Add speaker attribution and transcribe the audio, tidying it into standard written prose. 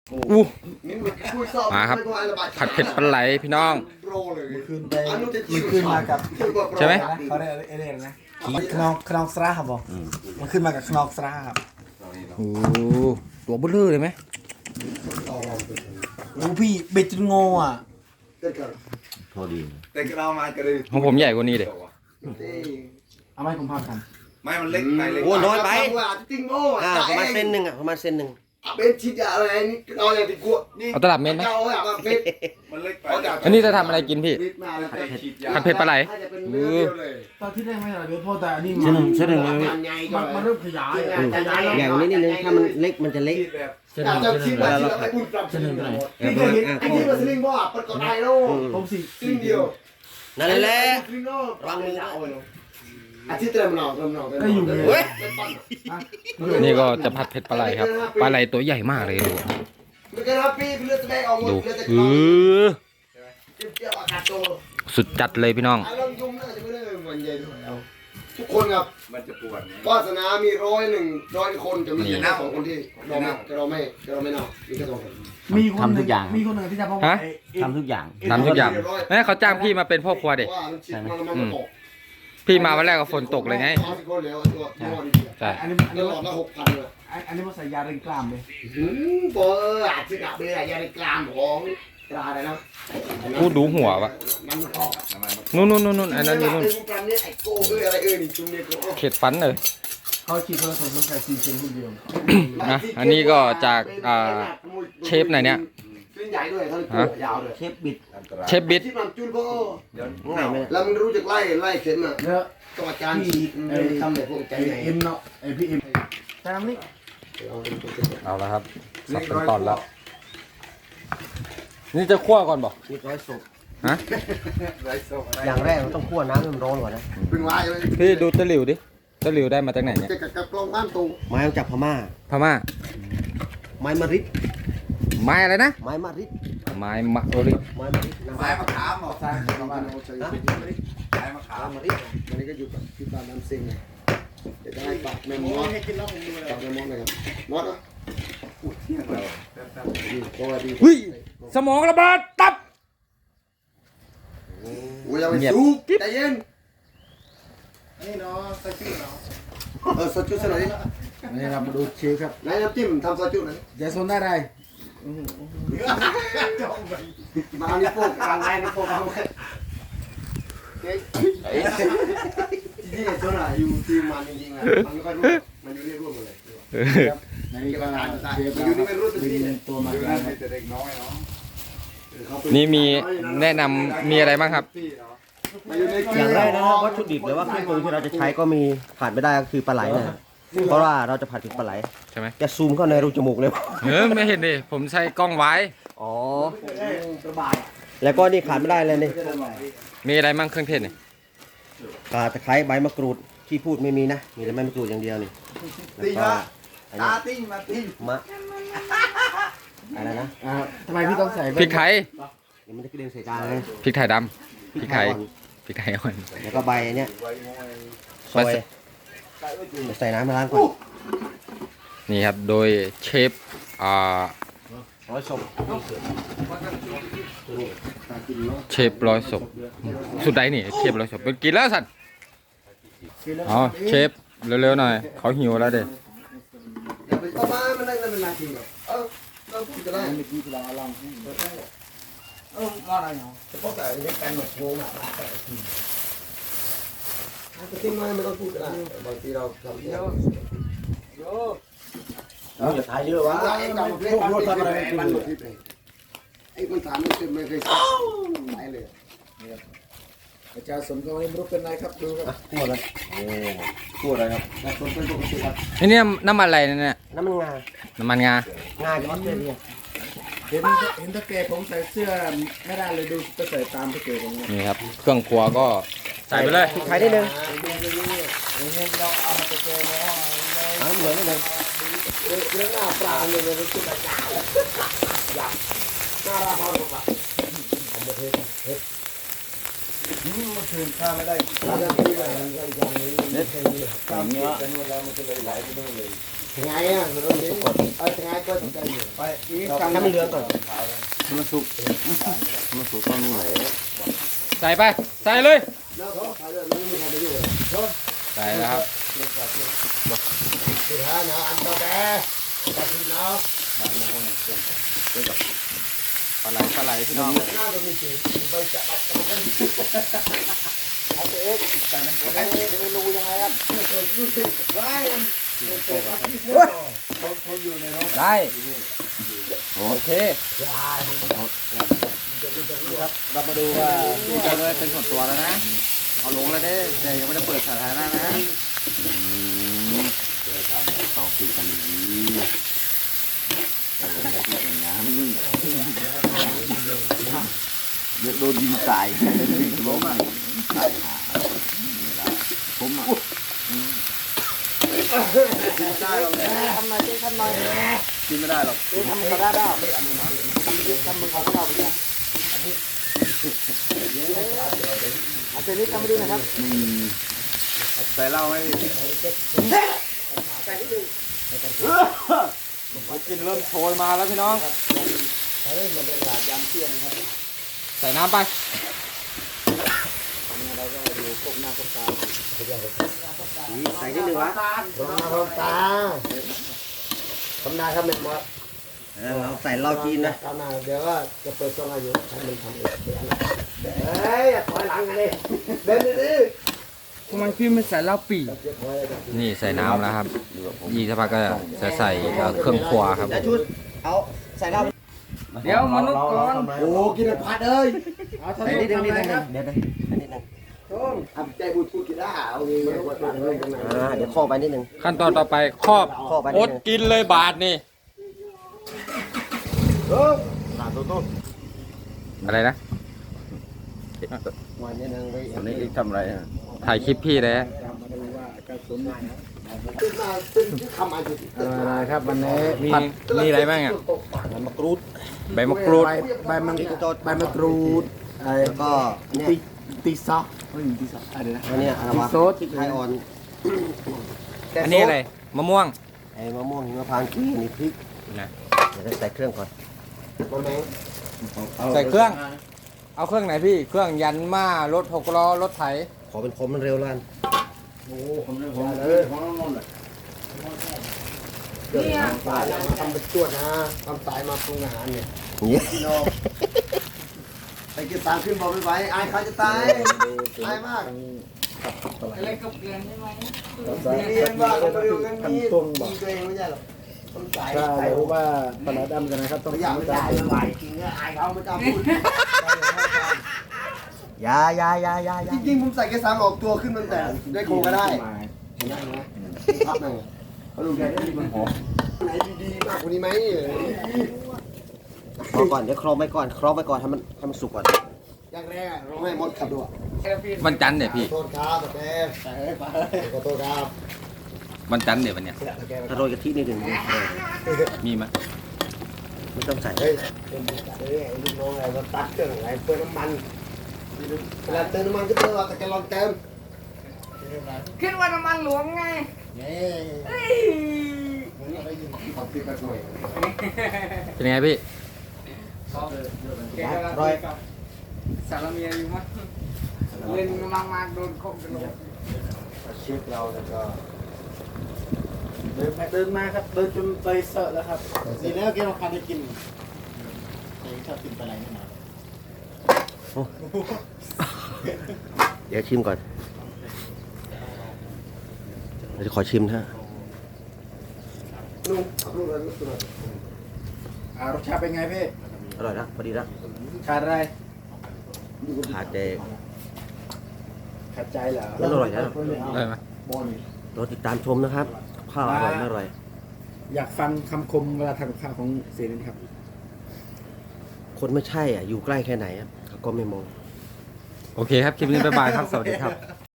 Speaker 1: อู้มาครับผัดเผ็ดปลาไหลพี่น้อง
Speaker 2: มันขึ้นมากับ
Speaker 1: ใช่ไหม
Speaker 2: เขาเรียกอะไรนะขนองสระครับผมมันขึ้นมากับขนองสระครับ
Speaker 1: โอ้ตัวเบลอเลยไหม
Speaker 2: โอ้พี่เบ็ดจนงออ่ะ
Speaker 3: พอดี
Speaker 4: แต่เรามากันเลย
Speaker 1: ของผมใหญ่กว่านี้เด็
Speaker 2: เอาไม้ผมพากัน
Speaker 4: ไม่มันเล็กไปเล็ก
Speaker 3: โอ้น้อยไป
Speaker 5: ติ้งโม่
Speaker 3: ประมาณเส้นหนึ่งประมาณเส้นหนึ่ง
Speaker 5: เป็นชิ้นอะไรนี่เราอย่างที่กลัวนี่
Speaker 1: เอาตลับเม็ดไหม
Speaker 5: เราแบบเม็ด
Speaker 4: มันเล็กไป
Speaker 1: อันนี้จะทำอะไรกินพี่
Speaker 5: มาแล้ว
Speaker 1: ผัดเผ็ดปลาไหล
Speaker 5: เนื้อเดียวเลย
Speaker 2: ตอนที่แรกไม่อะไรเดี๋ยวพอแต่อันนี้
Speaker 3: เส้นหนึ่งเส้นหนึ่ง
Speaker 2: มันเริ่มขยายอ่ะ
Speaker 3: ใหญ่กว่านี้นิดนึงถ้ามันเล็กมันจะเล็ก
Speaker 4: แบบ
Speaker 5: จะชิ้นละชิ้นละไปอุ่นปรับชิ้นละนี่เคยเห็นไอ้ที่มันสลิงบ่อ่ะประกอบได้แล้ว
Speaker 2: ผมสิ
Speaker 5: สลิงเดียว
Speaker 3: นั่นแหละ
Speaker 5: รังมือเอาเลยอาทิตย์เต็มหนอ
Speaker 2: ก็อยู่เลย
Speaker 3: เว้ย
Speaker 1: นี่ก็จะผัดเผ็ดปลาไหลครับปลาไหลตัวใหญ่มากเลยดู
Speaker 5: มันก็รับพี่เลือดแสดงออกหมด
Speaker 1: ดู
Speaker 5: เลือดจะ
Speaker 1: เอ
Speaker 5: เข้า
Speaker 1: อ
Speaker 5: เจียวอากาศโต
Speaker 1: สุดจัดเลยพี่น้อง
Speaker 5: ไอ้ลำยุ่งน่าจะไม่ได้เหมือนเย็นเอาทุกคนครับ
Speaker 4: มันจะปวด
Speaker 5: วาสนามี100คนจะมีแค่2 คนที่เราไม่เนามีแค่2 คน
Speaker 2: มีคนหนึ่งที่จะพบ
Speaker 3: ทำทุกอย่าง
Speaker 1: ทำทุกอย่างแม่เขาจ้างพี่มาเป็นพ่อครัวเด็ก
Speaker 5: ว่ามันชิดมันตก
Speaker 1: พี่มาวันแรกก็ฝนตกเลยไง
Speaker 5: คนแล้วตัวดี
Speaker 1: ใช่
Speaker 2: อันนี้
Speaker 5: ๆหลอดละ6,000เลย
Speaker 2: อันนี้มันใส่ยาเร่งกล้ามเลย
Speaker 5: บออาจจะดับเลยยาในกลางของตราเลยนะ
Speaker 1: กูดูหัววะ
Speaker 5: มันออก
Speaker 1: นู่นอันนั้นอยู่นู่น
Speaker 5: นี่ไอ้โก้อะไรนี่จุ่มเนี่ยก็
Speaker 1: เข็ดฟันเลย
Speaker 2: เขาฉีดผสมลงไป4 เซนคนเดียว
Speaker 1: นะอันนี้ก็จากเชฟไหนเนี่ย
Speaker 5: ชิ้นใหญ่ด้วยทั้งตัวยาวเลย
Speaker 3: เชฟบิด
Speaker 1: เชฟบิ๊ด
Speaker 5: ที่มันจุ่มพ่อ
Speaker 3: ง่ายไหม
Speaker 5: แล้วมันรู้จักไล่เข็มอ่ะ
Speaker 2: เยอะ
Speaker 5: ตัวจานฉีดทำแบบพวกใจใหญ่
Speaker 2: เอ็มเนาะไอพี่เอ็มตามนี่
Speaker 1: เอาละครับสับเป็นตอนแล้ว นี่จะคั่วก่อนบอก
Speaker 3: มีร้อยศพ
Speaker 1: ฮะ
Speaker 3: อย่างแรกมันต้องคั่วน้ำให้มันร้อนก่อนนะ
Speaker 5: เป็นวายเลย
Speaker 1: พี่ดูตะหลิวดิตะหลิวได้มาจากไหนเนี่ย
Speaker 5: จะกับกล้องบ้านตู
Speaker 3: ไม้มาจากพม่า
Speaker 1: พม่า
Speaker 3: ไม้มะริด
Speaker 1: ไม้อะไรนะ
Speaker 3: ไม้มะริด
Speaker 1: ไม้มะโอริ
Speaker 3: ไม้มะริด
Speaker 4: ไม้มะขามหรอ
Speaker 5: สร้างประมาณเราใช้
Speaker 4: ไม้มะขาม
Speaker 5: มะริมันนี้ก็อยู่กับที่บ้านน้ำซิงเดี๋ยวจะให้ปักแมมมอสปักแมมมอสเลยครับมอสอ่ะตัวดี
Speaker 1: อุ้ยสมองระเบิดตับ
Speaker 5: โอ้ยอย่าไปสู้ใจเย็น
Speaker 2: นี่เนาะใส่ชื่อเนาะ
Speaker 5: ซอสจุ๊สักหน่อยดิ
Speaker 2: นี่เรามาดูเชฟครับ
Speaker 5: ไหนน้ำจิ้มทำซอสจุ๊หน่อย
Speaker 2: ยายโซนได้ไร
Speaker 5: มาอันนี้โป๊กกลางไงนี่โป๊กเอาไว้จริงๆตัวน่ะอยู่ทีมมันจริงๆอ่ะมันไม่ค่อยรู้มันอยู่นี่ร่วมหมดเลย
Speaker 2: ในนี้ก็เชฟ
Speaker 5: มันอยู่นี่ไม่รู้ตัวที่
Speaker 2: ตัวมา
Speaker 4: นั่นมีแต่เด็กน้อยเนาะ
Speaker 1: นี่มีแนะนำมีอะไรบ้างครับ
Speaker 3: อย่างแรกนะวัตถุดิบหรือว่าเครื่องปรุงที่เราจะใช้ก็มีขาดไม่ได้ก็คือปลาไหลนะเพราะว่าเราจะผัดถึงปลาไหล
Speaker 1: ใช่ไหม
Speaker 3: จะซูมเข้าในรูจมูกเลย
Speaker 1: ไม่เห็นดิผมใช้กล้องไว้
Speaker 3: อ๋อแล้วก็นี่ขาดไม่ได้เลยนี่
Speaker 1: มีอะไรบ้างเครื่องเทศเนี่ย
Speaker 3: ข่าตะไคร้ใบมะกรูดที่พูดไม่มีนะมีแต่ใบมะกรูดอย่างเดียวนี่แล้วก็อันนี้
Speaker 4: ติ้งมาติ้ง
Speaker 3: มะอะไรนะ
Speaker 2: ทำไมพี่ต้องใส่
Speaker 1: พริกไทย
Speaker 3: เดี๋ยวมันจะกระเด็นใส่จานเลย
Speaker 1: พริกไทยดำพริกไทย
Speaker 3: อ่อน
Speaker 1: พริกไทยอ่อน
Speaker 3: แล้วก็ใบเนี้ยซอยเดี๋ยวใส่น้ำมาล้างก่อน
Speaker 1: นี่ครับโดยเชฟ
Speaker 3: ร้อยศพ
Speaker 1: เชฟร้อยศพสุดใดนี่เชฟร้อยศพเป็นกินแล้วสัตว์อ๋อเชฟเร็วๆหน่อยเขาหิวแล้วเด็
Speaker 5: อย่าไปเข้ามามันได้เป็นนาทีแบบเราพูดก็ได้
Speaker 2: ไม่กี่ตัวลองว่าอะไรเนาะ
Speaker 5: เฉพาะแต่ในการหมดโง่อ่ะทิ้งไว้ไม่ต้องพูดก็ได้บางทีเราทำเยอะ
Speaker 3: เราจะถ่ายเยอะวะ
Speaker 5: ไอ้กับพวกรถทำอะไรมันหมดที่ไหนไอ้คนถามไม่เคยใช้เลย
Speaker 2: อาจารย์สนก็ไม่รู้เป็นไรครับดูครับ
Speaker 3: ทั่วเลยโอ้ทั่วเลยครับ
Speaker 5: แต่คนเป็นปกติครับ
Speaker 1: ไอ้นี่น้ำมันอะไรเนี่ย
Speaker 3: น้ำมันงา
Speaker 1: น้ำมันงาง
Speaker 3: าจากออสเตรเลีย
Speaker 2: เห็นตะเกียบผมใส่เสื้อไม่ได้เลยดูไปใส่ตามตะเกียบผมเนี่ย
Speaker 1: นี่ครับเครื่องครัวก็ใส่ไปเลย
Speaker 3: พริกไทยนิดนึง
Speaker 2: เราเอามาตะเกียบ
Speaker 3: น้ำเหลืองนิดนึง
Speaker 5: เรื่องหน้าปลาเนี่ยมันคือประจานอยากหน้าราพอร์ต
Speaker 2: มันคืนข้าไม่ได้
Speaker 5: ตอนนี้มันก็อย่างนี้เน็ตเนื้อตามเนื้อแต่เมื่อเรามันจะเลยไหลไปนู่นเลยไงอ่ะมันต้องสุกก่อนไงก็ใจอยู่ไปให้มันเหลืองก่อน
Speaker 3: มันสุกต้องนู่นเลย
Speaker 1: ใส่ไป ใส่เลย
Speaker 5: แล้วก็ใส่เลยมันไม่มีใครไปยุ่งเลย
Speaker 1: ใส่แล้วครับ
Speaker 5: สุดท้ายนะอันต่อไปตัดสินแล้ว
Speaker 1: ปลาไหลพี่น้อง
Speaker 5: หน้าตรงนี้สิไปจับกันเอาเอ็กแต่เมนูยังไงครับได้
Speaker 1: ได้ โอเค
Speaker 3: เรามาดูว่าพี่จะได้เป็นส่วนตัวแล้วนะ เอาลงแล้วเด้แต่ยังไม่ได้เปิดสาธารณะนะต้องคุยกันดีอย่างนั้นเยอะโดนยิงตายล้มอ่ะตายหาผมอ่ะได้หรอก
Speaker 5: ทำหน่อยทำหน่อย
Speaker 3: กินไม่ได้หรอก
Speaker 5: ทำเขาได้เปล่าทำมึงเขาเราไปเนี่ยอาจารย์นี่ทำมาดูนะครับ
Speaker 3: ใส่เหล้าให้กินเริ่มโชยมาแล้วพี่น้อง
Speaker 5: เฮ้ยมันเป็นตลาดยามเที่ยงครับ
Speaker 1: ใส่น้ำไป
Speaker 5: เราก็มาดูพวกหน้าพวกตา
Speaker 3: ใส่นิดนึงวะ
Speaker 5: พวกหน้าพวกตาทำนาครับแม่หมด
Speaker 3: เราใส่เหล้าจีนนะ
Speaker 5: ทำนาเดี๋ยวก็จะเปิดช่องอายุให้มันทำเองเฮ้ยถอยหลังเลยเดินดิ
Speaker 2: ทำไมพี่ไม่ใส่เหล้าปี
Speaker 1: นี่ใส่น้ำแล้วครับยี่สักพักก็จะใส่เครื่องครัวครับ
Speaker 3: แล้วชุดเอาใส่เหล้า
Speaker 2: เดี๋ยวมนุษย์ก่อน
Speaker 5: โอ้กินแต่ผัดเอ้ย
Speaker 3: ใส่นิดนึงเดี๋ยวใส่นิดนึง
Speaker 5: ต้องทำใจบูดพูดกินได้เอาเงี้ย
Speaker 3: เดี๋ยวข้อไปนิดนึง
Speaker 1: ขั้นตอนต่อไปครอบ
Speaker 3: ข้อไป
Speaker 1: อ
Speaker 3: นิด
Speaker 1: ด
Speaker 3: นึง
Speaker 1: กินเลยบาทนี่ อะไรนะ
Speaker 5: วันนี้นึงไป
Speaker 3: อันนี้ทำอะไร
Speaker 1: ถ่ายคลิปพี่เลย
Speaker 5: ขึ้นมาขึ้นทำอายุ
Speaker 2: อะไรครับวันนี้
Speaker 1: มีอะไรบ้างอ่ะ
Speaker 3: มะกรูด
Speaker 1: ใบมะกรูด
Speaker 2: ใบมังใบมะกรูดไอ้
Speaker 3: แล้วก็เนี่ย
Speaker 2: ตีซอสไม่มีตีซอสอะไรนะ
Speaker 3: อันนี้อะไรวะ
Speaker 2: ซด
Speaker 3: พริกไทยอ่อน
Speaker 1: อันนี้อะไร มะม่วง
Speaker 3: ไอ้มะม่วงหิมพานต์ขี้นี่พริก
Speaker 1: นะ
Speaker 3: เดี๋ยวใส่เครื่องก่อน
Speaker 5: มาแมง
Speaker 1: ใส่เครื่อง เอาเครื่องไหนพี่ เครื่องยันมารถ6 ล้อ รถไถ
Speaker 3: ขอเป็นผมมันเร็วแล้วกัน
Speaker 5: เนี่ยสายมาทำเป็นจวดนะทำสายมาปรุงอาหารเนี่ย
Speaker 3: นี่
Speaker 5: ไปกินตามขึ้นบอกไม่ไหวอายเขาจะตายตายมาก
Speaker 2: อะไรกับเกลือใช่ไหม
Speaker 5: เรียนว่าเราไปดูกันมีตัวเองไม่ใช่หรอกต้องสาย
Speaker 2: ถ้ารู้ว่าปลาดำกันนะครับต้อง
Speaker 5: อยากไม่ได้ไม่ไหวจริงเนี่ยอายเขาไม่กล้าพูด
Speaker 3: ยา
Speaker 5: จริงๆผมใส่แค่สามออกตัวขึ้นมันแต่ได้โคก็ได้พับหนึ่งเขาดูแกได้ดีมันหอมไหนดีๆมากกว่านี้ไหม
Speaker 3: พอก่อนเดี๋ยวครอบไปก่อนให้มันสุกก่อน
Speaker 5: อย่างแรกเราให้มดขับด้วย
Speaker 1: วันจันทร์เนี่ยพี่
Speaker 5: โทษครับแต่ขอโทษครับ
Speaker 1: วันจันทร์เนี่ยวันเนี้ย
Speaker 3: ถ้าโรยกะทินิดนึง
Speaker 1: มีไหม
Speaker 3: ไม่ต้องใส่
Speaker 5: เฮ้ยเป็นจัดเลยไอ้ลูกน้องอะไรมาตัดเครื่องอะไรเปิดน้ำมันเวลาเติมน้ำมันก็เติมแต่แกลองเติม
Speaker 2: คิดว่าน้ำมันหลวงไง
Speaker 1: เป็นไงพี่
Speaker 3: ร้อย
Speaker 2: สารเมียอยู่มั้งเล่นมากๆโดนคบกันเลย
Speaker 5: เช็คเราแล้วก็
Speaker 2: เดินมาครับเดินจนไปเสอะแล้วครับ
Speaker 5: สีแล้วแกเราคันได้กินชอบกินปลาไหลแน่นอน
Speaker 3: เดี๋ยวชิมก่อนเราจะขอชิมนะฮะ
Speaker 5: ลุงลุงอะไรลุงอะไร
Speaker 2: รสชาติเป็นไงพี่
Speaker 3: อร่อยนะพอดีนะ
Speaker 2: ขาดอะไร
Speaker 3: ขาดแต่
Speaker 2: ขัดใจเหรอ
Speaker 3: มันอร่อยนะ
Speaker 1: ได้ไหม
Speaker 3: รอติดตามชมนะครับข้าวอร่อยไม่อร่อย
Speaker 2: อยากฟังคำคมเวลาทำกับข้าวของเสียนี่ครับ
Speaker 3: คนไม่ใช่อ่ะอยู่ใกล้แค่ไหนอ่ะก็ไม่มอง
Speaker 1: โอเคครับ คลิปนี้บ๊ายบายครับ สวัสดีครับ